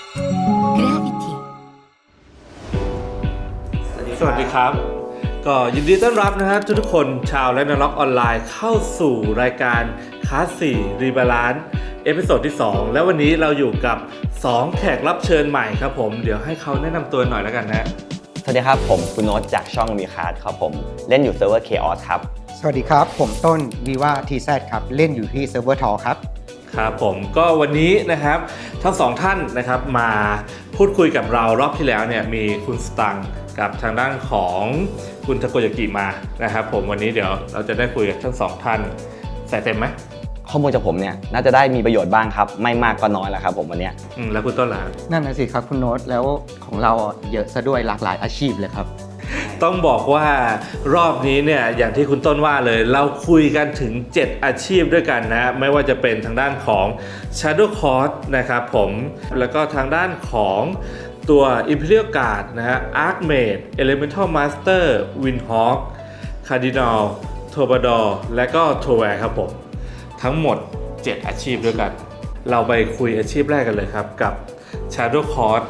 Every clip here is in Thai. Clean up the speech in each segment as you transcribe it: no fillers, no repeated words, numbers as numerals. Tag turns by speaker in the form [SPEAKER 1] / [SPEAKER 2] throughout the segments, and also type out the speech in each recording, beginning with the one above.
[SPEAKER 1] Gravity
[SPEAKER 2] สวัสดีครับก็ยินดีต้อนรับนะฮะทุกคนชาวและนล็อกออนไลน์เข้าสู่รายการคลาส4รีบาลานซ์เอพิโซดที่2แล้ววันนี้เราอยู่กับ2แขกรับเชิญใหม่ครับผมเดี๋ยวให้เขาแนะนำตัวหน่อยแล้วกันนะ
[SPEAKER 3] สวัสดีครับผมคุณโน้ตจากช่องมีคาร์ดครับผมเล่นอยู่เซิร์ฟเวอร์ Chaos ครับ
[SPEAKER 4] สวัสดีครับผมต้นวีว่าทีแซครับเล่นอยู่ที่เซิร์ฟเวอร์ทอครับ
[SPEAKER 2] ครับผมก็วันนี้นะครับทั้งสองท่านนะครับมาพูดคุยกับเรารอบที่แล้วเนี่ยมีคุณสตังกับทางด้านของคุณทาโกยากิมานะครับผมวันนี้เดี๋ยวเราจะได้คุยกับทั้งสองท่านใส่เต็มไหม
[SPEAKER 3] ข้อมูลจากผมเนี่ยน่าจะได้มีประโยชน์บ้างครับไม่มากก็น้อยแหละครับผมวันนี้
[SPEAKER 2] แล้วคุณต้นล่ะ
[SPEAKER 4] นั่นนะสิครับคุณโน้ตแล้วของเราเยอะซะด้วยหลากหลายอาชีพเลยครับ
[SPEAKER 2] ต้องบอกว่ารอบนี้เนี่ยอย่างที่คุณต้นว่าเลยเราคุยกันถึง 7 อาชีพด้วยกันนะไม่ว่าจะเป็นทางด้านของ Shadow Court นะครับผมแล้วก็ทางด้านของตัว Imperial Guard นะฮะ Archmage Elemental Master Windhawk Cardinal Troubadour และก็ Troware ครับผมทั้งหมด 7 อาชีพด้วยกัน เราไปคุยอาชีพแรกกันเลยครับกับ Shadow Court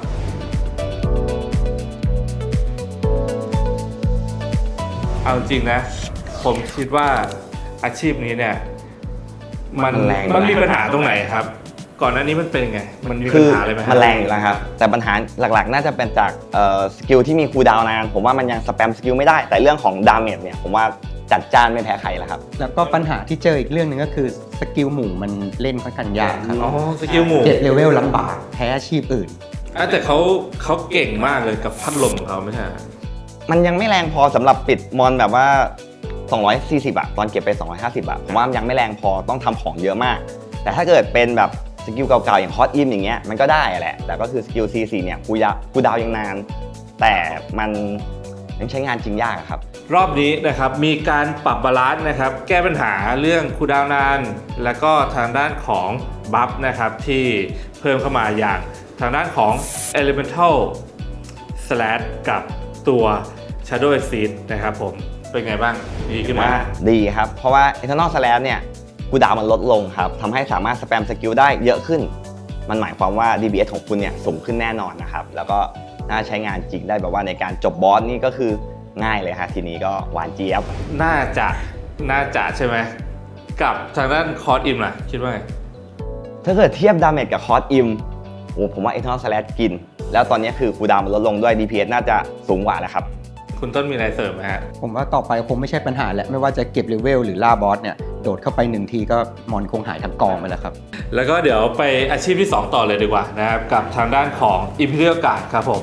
[SPEAKER 2] เอาจริงนะผมคิดว่าอาชีพนี้เนี่ยมันมีปัญหาตรงไหนครับก่อนหน้านี้มันเป็นไงมันมีปัญหาอะไรไหม
[SPEAKER 3] มันแรงอยู่แล้วครับแต่ปัญหาหลักๆน่าจะเป็นจากสกิลที่มีคูลดาวน์นานผมว่ามันยังสแปมสกิลไม่ได้แต่เรื่องของดาเมจเนี่ยผมว่าจัดจ้านไม่แพ้ใครแล้วครับ
[SPEAKER 4] แล้วก็ปัญหาที่เจออีกเรื่องหนึ่งก็คือสกิลหมู่มันเล่นค่อนข้างยากครับ
[SPEAKER 2] อ๋อสกิลหมู่
[SPEAKER 4] 7เลเวลลำบากแพ้อาชีพอื่น
[SPEAKER 2] แต่เขาเก่งมากเลยกับพัดลมของเขาไม่ใช่
[SPEAKER 3] มันยังไม่แรงพอสำหรับปิดมอนแบบว่า240ตอนเก็บไป250ผมว่ามันยังไม่แรงพอต้องทำของเยอะมากแต่ถ้าเกิดเป็นแบบสกิลเก่าๆอย่างฮอตอินอย่างเงี้ยมันก็ได้แหละแต่ก็คือสกิล C4 เนี่ยคูลดาวน์ยังนานแต่มันยังใช้งานจริงยากครับ
[SPEAKER 2] รอบนี้นะครับมีการปรับบาลานซ์นะครับแก้ปัญหาเรื่องคูลดาวน์นานแล้วก็ทางด้านของบัฟนะครับที่เพิ่มเข้ามาอย่างทางด้านของ Elemental Slash กับตัว Shadow Exceed นะครับผมเป็นไงบ้างดีขึ้นไหม
[SPEAKER 3] ดีครับเพราะว่า Eternal Slash เนี่ยคูลดาวน์มันลดลงครับทำให้สามารถสแปมสกิลได้เยอะขึ้นมันหมายความว่า DPS ของคุณเนี่ยสูงขึ้นแน่นอนนะครับแล้วก็น่าใช้งานจริงได้แบบว่าในการจบบอสนี่ก็คือง่ายเลยฮะทีนี้ก็หวานเจี๊ยบ
[SPEAKER 2] น่าจะใช่ไหมกับทางด้านคอร์สอิมล่ะคิดว่าไง
[SPEAKER 3] ถ้าเกิดเทียบดาเมจกับคอร์สอิมโอ้ผมว่า Eternal Slash กินแล้วตอนนี้คือคูลดาวน์มันลดลงด้วย DPS น่าจะสูงกว่าแล้วครับ
[SPEAKER 2] คุณต้นมีอะไรเสริมไหมฮะ
[SPEAKER 4] ผมว่าต่อไปคงไม่ใช่ปัญหาแหละไม่ว่าจะเก็บเลเวลหรือล่าบอสเนี่ยโดดเข้าไป1ทีก็มอนคงหายทั้งกองไปแล้วครับ
[SPEAKER 2] แล้วก็เดี๋ยวไปอาชีพที่ 2 ต่อเลยดีกว่านะครับกับทางด้านของ Imperial Guard ครับผม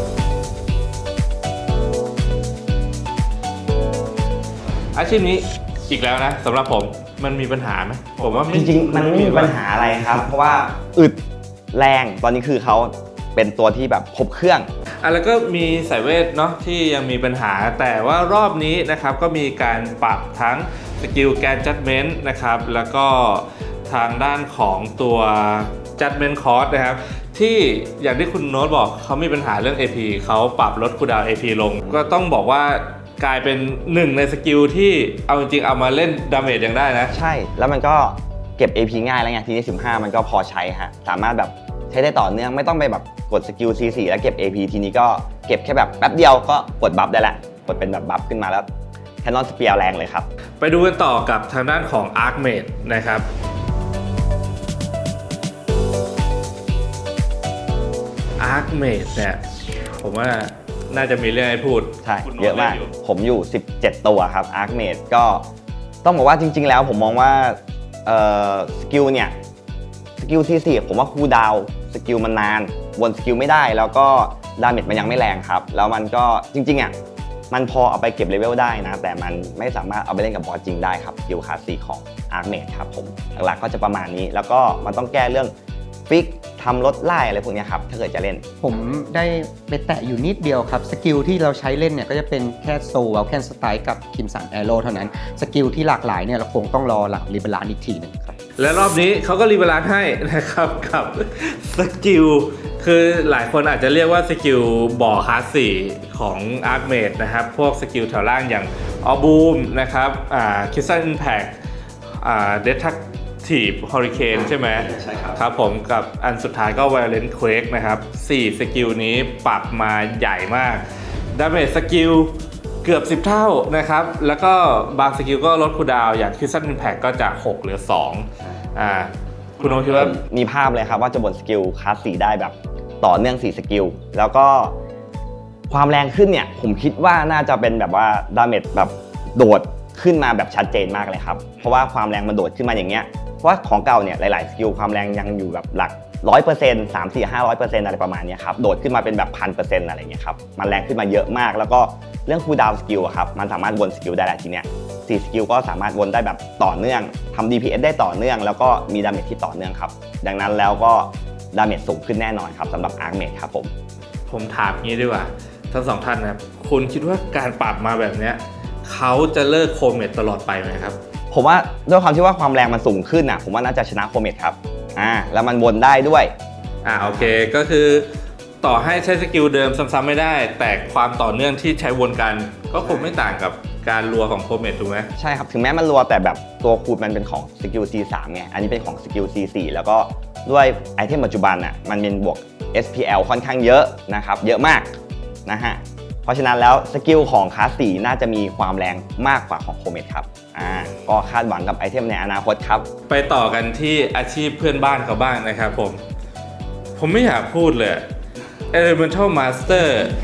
[SPEAKER 2] อาชีพนี้อีกแล้วนะสำหรับผมมันมีปัญหาไหมผมว่า
[SPEAKER 3] จริงๆมันไม่มีปัญหาอะไรครับ เพราะว่าอึดแรงตอนนี้คือเขาเป็นตัวที่แบบครบเครื่อง
[SPEAKER 2] แล้วก็มีสายเวทเนาะที่ยังมีปัญหาแต่ว่ารอบนี้นะครับก็มีการปรับทั้งสกิลแกนจัดเมนต์นะครับแล้วก็ทางด้านของตัว Judgment Cost นะครับที่อย่างที่คุณโน้ตบอกเขามีปัญหาเรื่อง AP เขาปรับลดคูลดาวน์ AP ลงก็ต้องบอกว่ากลายเป็นหนึ่งในสกิลที่เอาจริงๆเอามาเล่นดาเมจยังได้นะ
[SPEAKER 3] ใช่แล้วมันก็เก็บ AP ง่ายแล้วไงทีนี้15มันก็พอใช้ฮะสามารถแบบใช้ได้ต่อเนื่องไม่ต้องไปแบบกดสกิล C4 แล้วเก็บ AP ทีนี้ก็เก็บแค่แบบแป๊บเดียวก็กดบัฟได้ละกดเป็นแบบบัฟขึ้นมาแล้วแคนนอนสเปียร์แรงเลยครับ
[SPEAKER 2] ไปดูกันต่อกับทางด้านของ Archmage นะครับ Archmage เนี่ยผมว่าน่าจะมีเรื่องให้พูด
[SPEAKER 3] ใช่
[SPEAKER 2] คุณโน้ต
[SPEAKER 3] เยอะมาก
[SPEAKER 2] ล่นยู่
[SPEAKER 3] ผมอยู่17ตัวครับ Archmage ก็ต้องบอกว่าจริงๆแล้วผมมองว่าสกิลเนี่ยสกิลที่4ผมว่าคูลดาวน์สกิลมันนานวนสกิลไม่ได้แล้วก็ดาเมจมันยังไม่แรงครับแล้วมันก็จริงๆอ่ะมันพอเอาไปเก็บเลเวลได้นะแต่มันไม่สามารถเอาไปเล่นกับบอสจริงได้ครับสกิลคลาส4ของ Archmage ครับผมหลักๆก็จะประมาณนี้แล้วก็มันต้องแก้เรื่องฟิกทำลดไล่อะไรพวกนี้ครับถ้าเกิดจะเล่น
[SPEAKER 4] ผมได้ไปแตะอยู่นิดเดียวครับสกิลที่เราใช้เล่นเนี่ยก็จะเป็นแค่โซลแคนสไตล์กับคิมสันแอโร่เท่านั้นสกิลที่หลากหลายเนี่ยเราคงต้องรอหลังรีเบลานอีกทีหนึ่งครับ
[SPEAKER 2] และรอบนี้เขาก็รีบาลานซ์ให้นะครับกับสกิลคือหลายคนอาจจะเรียกว่าสกิลบ่อคลาส4ของ Archmage นะครับพวกสกิลแถวล่างอย่างออบูมนะครับคิสซันอิมแพคเดทักท Active Hurricane ใช่ไหม
[SPEAKER 3] ใช่ครับ
[SPEAKER 2] ครับผมกับอันสุดท้ายก็ Violent Quake นะครับ4สกิลนี้ปรับมาใหญ่มาก Damage สกิลเกือบ10 เท่านะครับแล้วก็บางสกิลก็ลดคูลดาวน์อย่าง Crimson Impact ก็จาก6เหลือ2คุณโอคิดว่า
[SPEAKER 3] มีภาพเลยครับว่าจะบนสกิลคลาส4ได้แบบต่อเนื่อง4สกิลแล้วก็ความแรงขึ้นเนี่ยผมคิดว่าน่าจะเป็นแบบว่าดาเมจแบบโดดขึ้นมาแบบชัดเจนมากเลยครับเพราะว่าความแรงมันโดดขึ้นมาอย่างเงี้ยเพราะว่าของเก่าเนี่ยหลายๆสกิลความแรงยังอยู่แบบหลัก 100% 3 4 500% อะไรประมาณนี้ครับโดดขึ้นมาเป็นแบบ 1,000% อะไรเงี้ยครับมันแรงขึ้นมาเยอะมากแล้วก็เรื่องคูลดาวน์สกิลครับมันสามารถวนสกิลได้หลายทีเนี้ย4สกิลก็สามารถวนได้แบบต่อเนื่องทำ DPS ได้ต่อเนื่องแล้วก็มีดาเมจที่ต่อเนื่องครับดังนั้นแล้วก็ดาเมจสูงขึ้นแน่นอนครับสำหรับ Archmage ครับ
[SPEAKER 2] ผมถามงี้ดีกว่าทั้งสองท่านนะครับคุณคิดว่าการปรับมาแบบเนี้ยเขาจะเลิกโคเมตตลอดไปไหมครับ
[SPEAKER 3] ผมว่าด้วยความที่ว่าความแรงมันสูงขึ้นอ่ะผมว่าน่าจะชนะโคเมตครับแล้วมันวนได้ด้วย
[SPEAKER 2] โอเคก็คือต่อให้ใช้สกิลเดิมซ้ำๆไม่ได้ แต่ความต่อเนื่องที่ใช้วนกันก็คงไม่ต่างกับการรัวของโคเมตถูกไหม
[SPEAKER 3] ใช่ครับถึงแม้มันรัวแต่แบบตัวคูดมันเป็นของสกิล C3 ไงอันนี้เป็นของสกิล C4 แล้วก็ด้วยไอเทมปัจจุบันอ่ะมันเป็นบวก SPL ค่อนข้างเยอะนะครับเยอะมากนะฮะเพราะฉะนั้นแล้วสกิลของคลาส4น่าจะมีความแรงมากกว่าของโคเมตครับก็คาดหวังกับไอเทมในอนาคตครับ
[SPEAKER 2] ไปต่อกันที่อาชีพเพื่อนบ้านเขาบ้างนะครับผมไม่อยากพูดเลย Elemental Master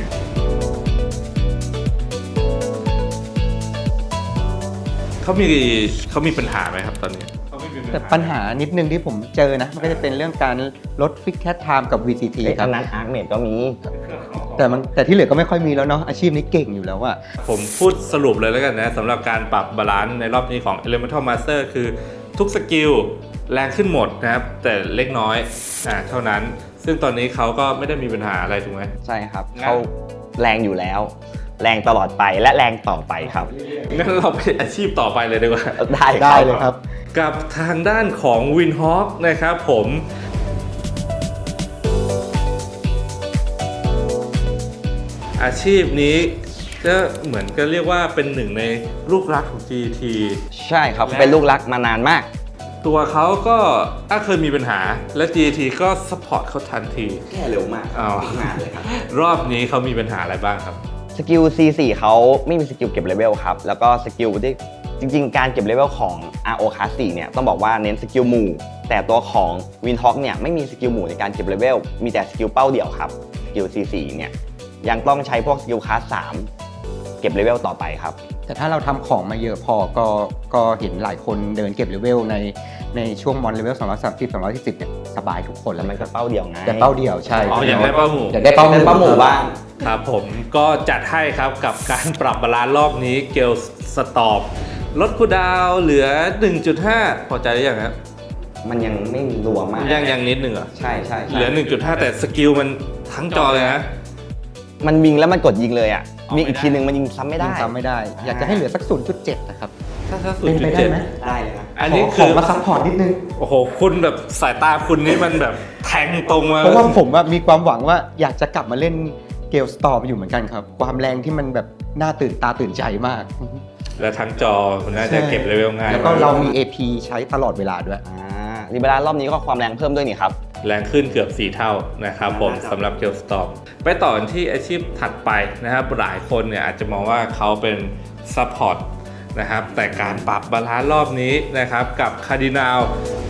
[SPEAKER 2] เขามีปัญหาไหมครับตอนนี้
[SPEAKER 4] แต่ปัญหานิดนึงที่ผมเจอนะมันก็จะเป็นเรื่องการลดฟิกแคทไทม์กับ VCT ครับ
[SPEAKER 3] อันนั้น Archmage ก็มี
[SPEAKER 4] แต่ที่เหลือก็ไม่ค่อยมีแล้วเนาะอาชีพนี้เก่งอยู่แล้วอะ
[SPEAKER 2] ผมพูดสรุปเลยแล้วกันนะสำหรับการปรับบาลานซ์ในรอบนี้ของ Elemental Master คือทุกสกิลแรงขึ้นหมดนะครับแต่เล็กน้อยเท่านั้นซึ่งตอนนี้เขาก็ไม่ได้มีปัญหาอะไรถูกไหม
[SPEAKER 3] ใช่ครับเขาแรงอยู่แล้วแรงตลอดไปและแรงต่อไปครับ
[SPEAKER 2] งั้นเราไปอาชีพต่อไปเลยดีกว่า
[SPEAKER 4] ได้เลยครับ
[SPEAKER 2] กับทางด้านของ Windhawk นะครับผมอาชีพนี้ก็เหมือนก็เรียกว่าเป็นหนึ่งในลูกรักของ GT
[SPEAKER 3] ใช่ครับเป็นลูกรักมานานมาก
[SPEAKER 2] ตัวเขาก็เคยมีปัญหาและ GT ก็ซัพพอร์ตเขาทันที
[SPEAKER 3] แก้เร็วมากงานเลยครับ
[SPEAKER 2] รอบนี้เขามีปัญหาอะไรบ้างครับ
[SPEAKER 3] สกิล C4 เขาไม่มีสกิลเก็บเลเวลครับแล้วก็สกิลที่จริงๆการเก็บเลเวลของ RO Class 4เนี่ยต้องบอกว่าเน้นสกิลหมู่แต่ตัวของ Windhawk เนี่ยไม่มีสกิลหมู่ในการเก็บเลเวลมีแต่สกิลเป้าเดี่ยวครับสกิล C4 เนี่ยยังต้องใช้พวกสกิลคลาส3เก็บเลเวลต่อไปครับ
[SPEAKER 4] แต่ถ้าเราทำของมาเยอะพอก็เห็นหลายคนเดินเก็บเลเวลในช่วงมอนเลเวล230 240เนี่ยสบายทุกคน
[SPEAKER 3] แล้วมันก็เป้าเดี่ยวไง
[SPEAKER 4] แต่เป้าเดี่ยวใช่
[SPEAKER 2] อยากได้เป้าหมู่
[SPEAKER 4] อยากได้เป้าหมู่
[SPEAKER 3] บ้าง
[SPEAKER 2] ครับผมก็จัดให้ครับกับการปรับบาลานซ์รอบนี้เกลสตอปลดคูลดาวน์เหลือ 1.5 พอใจหรือยังครับ
[SPEAKER 3] มันยังไม่มีรัวมาก
[SPEAKER 2] ยังนิดนึงเหรอ
[SPEAKER 3] ใช่
[SPEAKER 2] เหลือ 1.5 แต่สกิลมันทั้งจอเลยนะ
[SPEAKER 3] มันวิ่งแล้วมันกดยิงเลยอ่ะมีอีกทีนึงมันยิงซ้ำไม่ได้
[SPEAKER 4] อยากจะให้เหลือสัก 0.7 นะครับ
[SPEAKER 2] ถ้า
[SPEAKER 4] 0.7
[SPEAKER 3] ได้ไหมได้เลยนะ
[SPEAKER 2] อันนี้
[SPEAKER 4] คือมาซัพพอร์ตนิดนึง
[SPEAKER 2] โอ้โหคุณแบบสายตาคุณนี่มันแบบแทงตรงมา
[SPEAKER 4] เพราะว่าผมมีความหวังว่าอยากจะกลับมาเล่นเกลสตอร์มอยู่เหมือนกันครับความแรงที่มันแบบน่าตื่นตาตื่นใจมาก
[SPEAKER 2] และทั้งจอคุณน่าจะเก็บเลเวลง่าย
[SPEAKER 4] แล้วก็เรามี AP ใช้ตลอดเวลาด้วย
[SPEAKER 3] รีบาลานรอบนี้ก็ความแรงเพิ่มด้วยนี่ครับ
[SPEAKER 2] แรงขึ้นเกือบ4 เท่านะครับผมสำหรับเกลสตอร์มไปต่อที่อาชีพถัดไปนะครับหลายคนเนี่ยอาจจะมองว่าเขาเป็นซัพพอร์ตนะครับแต่การปรับบาลานซ์รอบนี้นะครับกับคาร์ดินัล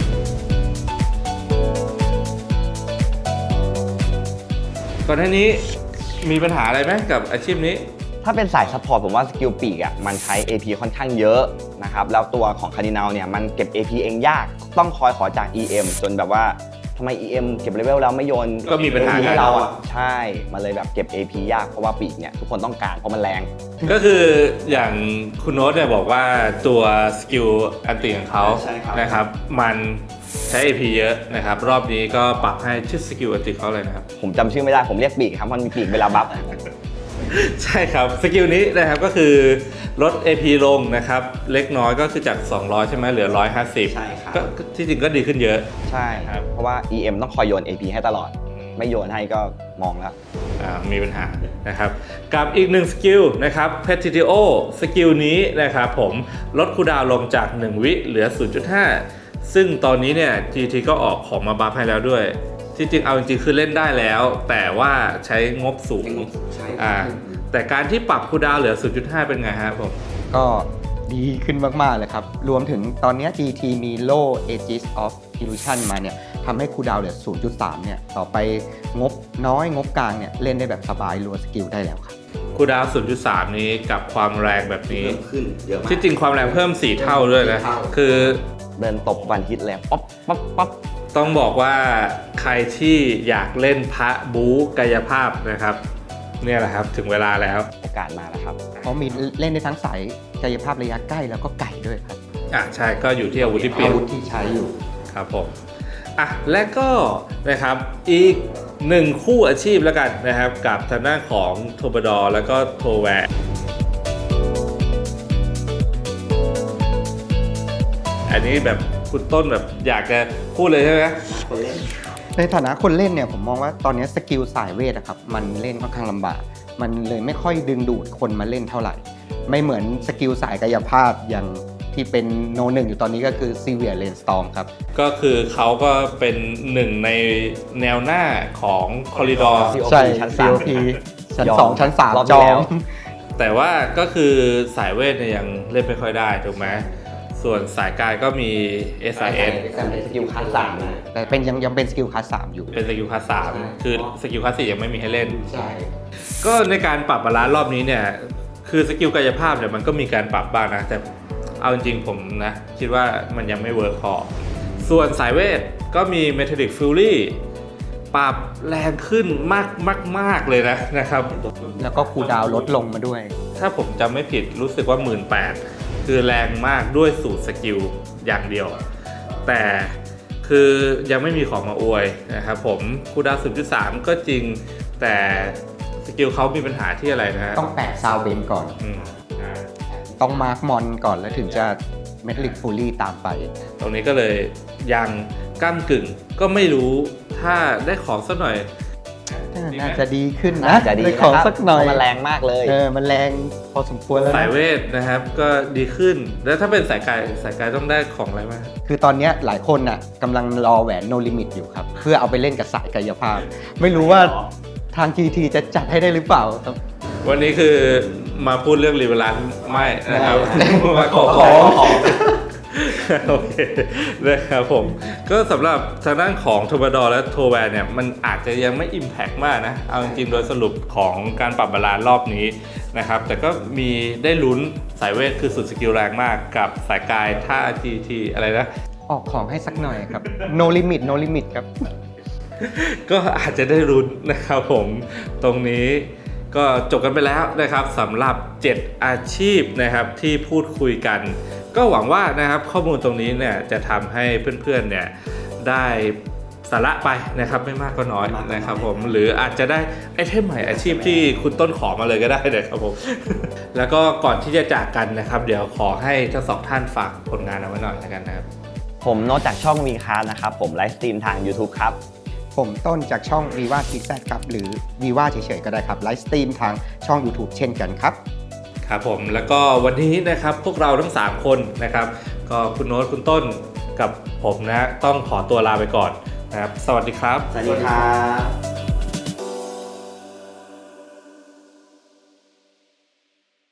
[SPEAKER 2] ก่อนหน้านี้มีปัญหาอะไรไหมกับอาชีพนี้
[SPEAKER 3] ถ้าเป็นสายซัพพอร์ตผมว่าสกิลปีกอ่ะมันใช้ AP ค่อนข้างเยอะนะครับแล้วตัวของคาร์ดินัลเนี่ยมันเก็บ AP เองยากต้องคอยขอจาก EM จนแบบว่าทำไม EM เก็บเลเวลแล้วไม่โยน
[SPEAKER 2] ก็มีปัญหา
[SPEAKER 3] ให้เราอ่ะใช่มาเลยแบบเก็บ AP ยากเพราะว่าปีกเนี่ยทุกคนต้องการเพราะมันแรง
[SPEAKER 2] ก็คืออย่างคุณโน้ตเนี่ยบอกว่าตัวสกิลอันติของเขานะครับมันใช้ AP เยอะนะครับรอบนี้ก็ปรับให้ชื่อสกิลอันติเขาเลยนะครับ
[SPEAKER 3] ผมจำชื่อไม่ได้ผมเรียกปีกครับมันมีปีกเวลาบัฟ
[SPEAKER 2] ใช่ครับสกิลนี้นะครับก็คือลด AP ลงนะครับเล็กน้อยก็คือจาก200ใช่ไหมเหลือ150
[SPEAKER 3] ใช่ครับ
[SPEAKER 2] ก็ที่จริงก็ดีขึ้นเยอะ
[SPEAKER 3] ใช่ครับเพราะว่า EM ต้องคอยโยน AP ให้ตลอดไม่โยนให้ก็มองแล้ว
[SPEAKER 2] มีปัญหานะครับกับอีก1สกิลนะครับ Petitio สกิลนี้นะครับผมลดคูลดาวน์ลงจาก1 วิเหลือ 0.5 ซึ่งตอนนี้เนี่ย GT ก็ออกของมาบัฟให้แล้วด้วย ที่จริงเอาจริงๆคือเล่นได้แล้ว แต่ว่าใช้งบสูงแต่การที่ปรับคูลดาวน์เหลือ 0.5 เป็นไงฮะผม
[SPEAKER 4] ก็ดีขึ้นมากๆเลยครับ รวมถึงตอนนี้ GT มีโล่ Aegis of Illusion มาเนี่ยทำให้คูลดาวน์เหลือ 0.3 เนี่ยต่อไปงบน้อยงบกลางเนี่ยเล่นได้แบบสบายรัวสกิลได้แล้วครับ
[SPEAKER 2] คูลดาวน์ 0.3 นี้กับความแรงแบบนี้
[SPEAKER 3] ขึ้นเยอะมาก
[SPEAKER 2] ที่จริงความแรงเพิ่ม 4 เท่าด้วยนะ คือ
[SPEAKER 3] เดินตบวันฮิตเลยป๊อปป๊อปป๊อป
[SPEAKER 2] ต้องบอกว่าใครที่อยากเล่นพระบู๊กายภาพนะครับ เนี่ยแหละครับถึงเวลาแล้ว
[SPEAKER 3] โอกาสมาแล้วครับ
[SPEAKER 4] เพราะมีเล่นได้ทั้งสายกายภาพระยะใกล้แล้วก็ไกลด้วยครับ
[SPEAKER 2] ใช่ก็อยู่ที่อาวุธที่เปลี่ย
[SPEAKER 4] อาน วุธที่ใช้อยู่
[SPEAKER 2] ครับผมและก็นะครับอีกหนึ่งคู่อาชีพแล้วกันนะครับกับทางด้านของโทบดอร์แล้วก็โทแวร์อันนี้แบบคุณต้นแบบอยากจะพูดเลยใช่ไหม
[SPEAKER 4] ในฐานะคนเล่นเนี่ยผมมองว่าตอนนี้สกิลสายเวทอะครับมันเล่นค่อนข้างลำบากมันเลยไม่ค่อยดึงดูดคนมาเล่นเท่าไหร่ ไม่เหมือนสกิลสายกายภาพอย่างที่เป็นโนหนึ่งอยู่ตอนนี้ก็คือ Severe Rainstorm ครับ
[SPEAKER 2] ก็คือเขาก็เป็นหนึ่งในแนวหน้าของคอริดอร์
[SPEAKER 3] COP
[SPEAKER 4] ใช่
[SPEAKER 3] ชั้น
[SPEAKER 4] COP ชั้น
[SPEAKER 3] ยอม
[SPEAKER 4] 2 ชั้น
[SPEAKER 3] รอบ
[SPEAKER 4] 3
[SPEAKER 3] ที่
[SPEAKER 4] จอ
[SPEAKER 3] แล้ว
[SPEAKER 4] ม
[SPEAKER 2] แต่ว่าก็คือสายเวทเนี่ยยังเล่นไม่ค่อยได้ถูกไหมส่วนสายกายก็มี SIS
[SPEAKER 3] แต่เป็นสกิลคลาส3นะ
[SPEAKER 4] แต่เป็นยังเป็นสกิลคลาส3อยู่
[SPEAKER 2] เป็นสกิลคลาส3คือสกิลคลาส4ยังไม่มีให้เล่น
[SPEAKER 4] ใช่
[SPEAKER 2] ก็ในการปรับบาลานซ์รอบนี้เนี่ยคือสกิลกายภาพเนี่ยมันก็มีการปรับบ้างนะแต่เอาจริงๆผมนะคิดว่ามันยังไม่เวิร์กพอส่วนสายเวทก็มี Metallic Fury ปรับแรงขึ้นมากเลยนะครับ
[SPEAKER 4] แล้วก็คูลดาวน์ลดลงมาด้วย
[SPEAKER 2] ถ้าผมจำไม่ผิดรู้สึกว่า 18,000 คือแรงมากด้วยสูตรสกิลอย่างเดียว แต่คือยังไม่มีของมาอวยนะครับผมคูลดาวน์ 0.3 ก็จริงแต่สกิลเขามีปัญหาที่อะไรนะฮะ
[SPEAKER 4] ต้องแปะซาวเบนก่อน
[SPEAKER 2] อืม
[SPEAKER 4] ต้องมาร์คมอนก่อนแล้วถึงจะ Metallic Fury ตามไป
[SPEAKER 2] ตรงนี้ก็เลยยังก้ากึ่งก็ไม่รู้ถ้าได้ของสักหน่อย
[SPEAKER 4] น่าจะดีขึ้นนะ
[SPEAKER 3] น่าจะดี
[SPEAKER 4] ได้
[SPEAKER 3] นะ
[SPEAKER 4] ของ
[SPEAKER 3] ครับ
[SPEAKER 4] สักหน่อย
[SPEAKER 3] เพราะมันแรงมากเลย
[SPEAKER 4] มันแรงพอสมควรแล้วนะ
[SPEAKER 2] สายเวทนะครับก็ดีขึ้น แล้วถ้าเป็นสายกายต้องได้ของอะไรบ้าง
[SPEAKER 4] คือตอนเนี้ยหลายคนน่ะกำลังรอแหวน No Limit อยู่ครับ เพื่อเอาไปเล่นกับสายกายภาพ ไม่รู้ว่าทาง GT จะจัดให้ได้หรือเปล่าครับ
[SPEAKER 2] วันนี้คือมาพูดเรื่องรีเวลานไม่นะครับ มาขอ โอเคนะครับผมก็สำหรับทางด้านของโทบดอร์และโทแวร์เนี่ยมันอาจจะยังไม่อิมแพกมากนะเอาจริงๆโดยสรุปของการปรับบาลานซ์รอบนี้นะครับแต่ก็มีได้ลุ้นสายเวทคือสุดสกิลแรงมากกับสายกายท่า GT อะไรนะ
[SPEAKER 4] ออกของให้สักหน่อยครับ No Limit No Limit ครับ
[SPEAKER 2] ก็อาจจะได้ลุ้นนะครับผมตรงนี้ก็จบกันไปแล้วนะครับสำหรับ 7 อาชีพนะครับที่พูดคุยกัน ก็หวังว่านะครับข้อมูลตรงนี้เนี่ยจะทำให้เพื่อนๆเนี่ยได้สาระไปนะครับไม่มากก็น้อยนะครับผมหรืออาจจะได้ไอเทมใหม่อาชีพที่คุณต้นขอมาเลยก็ได้นะครับผม แล้วก็ก่อนที่จะจากกันนะครับเดี๋ยวขอให้ทั้งสองท่านฝากผลงานเอาไว้หน่อยแล้วกันนะครับ
[SPEAKER 3] ผมโน้ตจากช่องวีคาร์นะครับผมไลฟ์สตรีมทาง YouTube ครับ
[SPEAKER 4] ผมต้นจากช่อง Viva t z ครับหรือ Viva เฉยๆก็ได้ครับไลฟ์สตรีมทางช่อง YouTube เช่นกันครับ
[SPEAKER 2] ครับผมแล้วก็วันนี้นะครับพวกเราทั้ง 3 คนนะครับก็คุณโน้ตคุณต้นกับผมนะต้องขอตัวลาไปก่อนนะครับสวัสดีครับ
[SPEAKER 3] สวัสดีครับ